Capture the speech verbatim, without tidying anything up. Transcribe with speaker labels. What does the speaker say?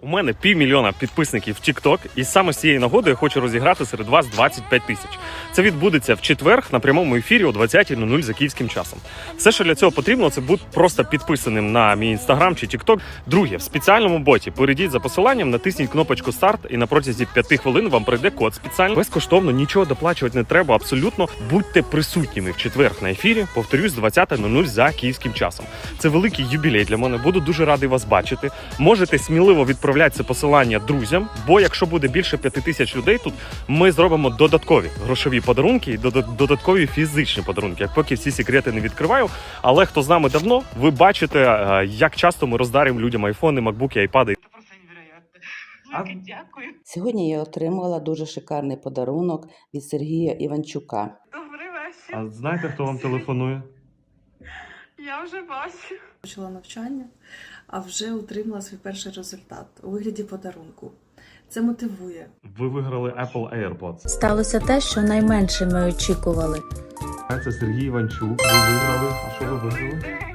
Speaker 1: У мене півмільйона підписників в TikTok, і саме з цієї нагоди я хочу розіграти серед вас двадцять п'ять тисяч. Це відбудеться в четвер на прямому ефірі о двадцятій нуль нуль за київським часом. Все, що для цього потрібно, це бути просто підписаним на мій інстаграм чи TikTok. Друге, в спеціальному боті перейдіть за посиланням, натисніть кнопочку старт, і на протязі п'яти хвилин вам прийде код спеціальний. Безкоштовно, нічого доплачувати не треба, абсолютно. Будьте присутніми в четвер на ефірі, повторюсь, двадцята нуль нуль за київським часом. Це великий юбілей для мене, буду дуже радий вас бачити. Можете сміливо відправляти це посилання друзям, бо якщо буде більше п'яти тисяч людей тут, ми зробимо додаткові грошові подарунки і додаткові фізичні подарунки. Як поки всі секрети не відкриваю, але хто з нами давно, ви бачите, як часто ми роздаримо людям айфони, макбуки, айпади.
Speaker 2: Це просто невероятно. Велике дякую.
Speaker 3: Сьогодні я отримала дуже шикарний подарунок від Сергія Іванчука.
Speaker 2: Добрий вечір.
Speaker 1: А знаєте, хто вам телефонує?
Speaker 2: Я вже бачу.
Speaker 4: Почала навчання, а вже отримала свій перший результат у вигляді подарунку. Це мотивує.
Speaker 1: Ви виграли Apple AirPods.
Speaker 5: Сталося те, що найменше ми очікували.
Speaker 1: Це Сергій Іванчук. Ви виграли. А що ви виграли?